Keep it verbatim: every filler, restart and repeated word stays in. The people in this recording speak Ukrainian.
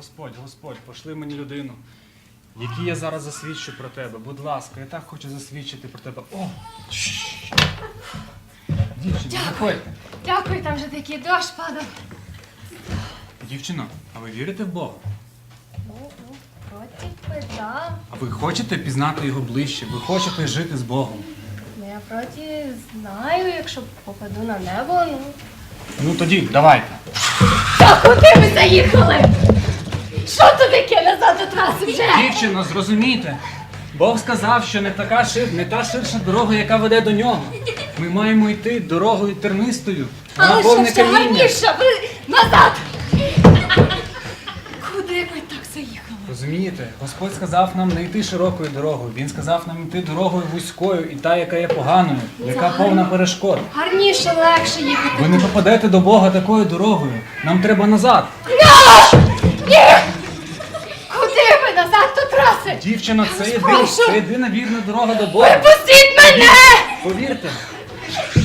Господь, Господь, пошли мені людину, якій я зараз засвідчу про тебе. Будь ласка, я так хочу засвідчити про тебе. О! Дівчино, заходьте. Дякую, там вже такий дощ падав. Дівчино, а ви вірите в Бога? Ну, ну, проти би, да. А ви хочете пізнати його ближче? Ви хочете жити з Богом? Ну, я проти знаю, якщо попаду на небо, ну... Ну тоді, давайте. Та куди ви заїхали? Що то таке назад до траси вже? Дівчино, зрозумійте. Бог сказав, що не така шир, не та ширша дорога, яка веде до нього. Ми маємо йти дорогою тернистою. Але Вона що повне ще каміння. гарніше, ви назад! Куди ви так заїхали? Розумієте, Господь сказав нам не йти широкою дорогою. Він сказав нам йти дорогою вузькою і та, яка є поганою, яка повна перешкод. Гарніше, легше їхати. Ви не попадете до Бога такою дорогою. Нам треба назад. Ні! Куди ви назад до траси? Дівчино, це, єдина, прошу. це єдина вірна дорога до Бога. Випустіть мене! Повірте.